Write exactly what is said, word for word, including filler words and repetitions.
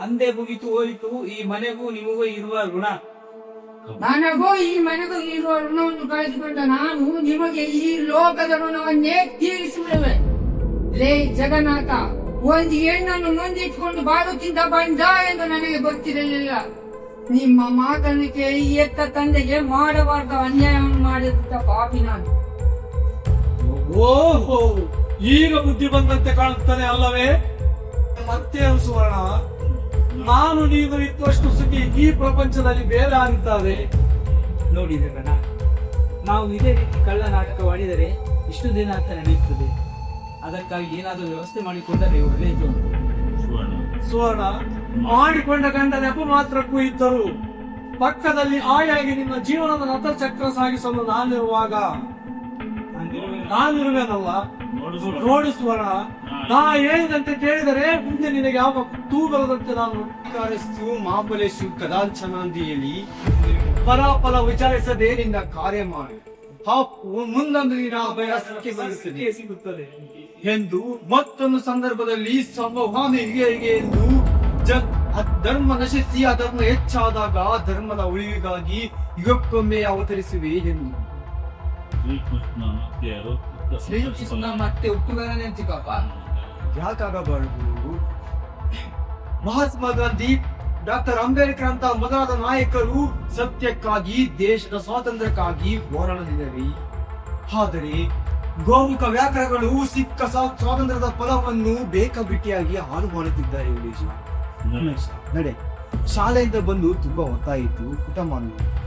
ಅಂದೇ ಮುಗಿತು ಹೋಯಿತು ಈ ಮನೆಗೂ ನಿಮಗೂ ಇರುವ ಋಣ. ನನಗೂ ಈ ಮನೆಗೂ ಇರುವ ಋಣವನ್ನು ಕಳೆದುಕೊಂಡ ನಾನು ನಿಮಗೆ ಈ ಲೋಕದ ಋಣವನ್ನೇ ತೀರಿಸಿಬಿಡುವೆ. ಲೇ ಜಗನ್ನಾಥ, ಒಂದು ಹೆಣ್ಣನ್ನು ನೊಂದಿಟ್ಕೊಂಡು ಬಾಳುತ್ತಿದ್ದ ಬಂದ ಎಂದು ನನಗೆ ಗೊತ್ತಿರಲಿಲ್ಲ. ನಿಮ್ಮ ಮಾತನ್ನು ಕೇಳಿ ಎತ್ತ ತಂದೆಗೆ ಮಾಡಬಾರ್ದ ಅನ್ಯಾಯವನ್ನು ಮಾಡಿದ ಪಾಪಿ ನಾನು. ಓಹೋ, ಈಗ ಬುದ್ಧಿ ಬಂದಂತೆ ಕಾಣುತ್ತಾನೆ ಅಲ್ಲವೇ? ಮತ್ತೆ ಸುವರ್ಣ, ನಾನು ನೀನು ಇದ್ದಷ್ಟು ಸುಖಿ ಈ ಪ್ರಪಂಚದಲ್ಲಿ ಬೇರೆ ಆಗಿದ್ದಾರೆ. ನೋಡಿದ್ರಣ್ಣ, ನಾವು ಇದೇ ರೀತಿ ಕಳ್ಳ ನಾಟಕವಾಡಿದರೆ ಇಷ್ಟು ದಿನ ಅಂತ ನಡೆಯುತ್ತದೆ. ಅದಕ್ಕಾಗಿ ಏನಾದರೂ ವ್ಯವಸ್ಥೆ ಮಾಡಿಕೊಂಡರೆ ಒಳ್ಳೆಯದು. ಸುವರ್ಣ, ಮಾಡಿಕೊಂಡ ಗಂಡ ನೆಪ ಮಾತ್ರಕ್ಕೂ ಇದ್ದರು. ಪಕ್ಕದಲ್ಲಿ ಆಯಾಗಿ ನಿಮ್ಮ ಜೀವನದ ರಥಚಕ್ರ ಸಾಗಿಸಲು ನಾನಿರುವಾಗ ನಾನಿರುವೆನಲ್ಲ. ನೋಡು ಸುವರ್ಣ, ನಾ ಹೇಳಿದಂತೆ ಕೇಳಿದರೆ ಮುಂದೆ ನಿನಗೆ ಯಾವ ತೂಗಲದಂತೆ ನಾನು ಕಾರಸ್ತು ಮಾಪಲೇಶು ಕದಾಂಚನ ಅಂತ ಹೇಳಿ ಫಲಾಫಲ ವಿಚಾರಿಸದೆ ನಿನ್ನ ಕಾರ್ಯ ಮಾಡಿ ಮುಂದೊಂದು ದಿನ ಅಭಯ ಸಿಕ್ಕಿ ಸಿಗುತ್ತದೆ ಎಂದು ಮತ್ತೊಂದು ಸಂದರ್ಭದಲ್ಲಿ ಸಂವಹನ ಹಿರಿಯರಿಗೆ ಎಂದು ಜ ಧರ್ಮ ನಶಿಸಿ ಅಧರ್ಮ ಹೆಚ್ಚಾದಾಗ ಧರ್ಮದ ಉಳಿವಿಗಾಗಿ ಯುಗಕ್ಕೊಮ್ಮೆ ಅವತರಿಸುವೆ ಎಂದು ಶ್ರೀಕೃಷ್ಣ ಮತ್ತೆ ಹುಟ್ಟುಗಾರನೇ ಚಿಕ್ಕಪ್ಪ. ಯಾಕಾಗಬಾರದು? ಮಹಾತ್ಮ ಗಾಂಧಿ, ಡಾಕ್ಟರ್ ಅಂಬೇಡ್ಕರ್ ಅಂತ ಮೊದಲಾದ ನಾಯಕರು ಸತ್ಯಕ್ಕಾಗಿ ದೇಶದ ಸ್ವಾತಂತ್ರ್ಯಕ್ಕಾಗಿ ಹೋರಾಡಲಿದ್ದಾರೆ. ಆದರೆ ಗೋಮುಖ ವ್ಯಾಕರಗಳು ಸಿಕ್ಕ ಸ್ವಾತಂತ್ರ್ಯದ ಫಲವನ್ನು ಬೇಕಾಬಿಟ್ಟಿಯಾಗಿ ಹಾಳು ಮಾಡುತ್ತಿದ್ದಾರೆ. ನಡೆ ಶಾಲೆಯಿಂದ ಬಂದು ತುಂಬಾ ಹೊತ್ತಾಯಿತು, ಊಟ ಮಾಡುವುದು.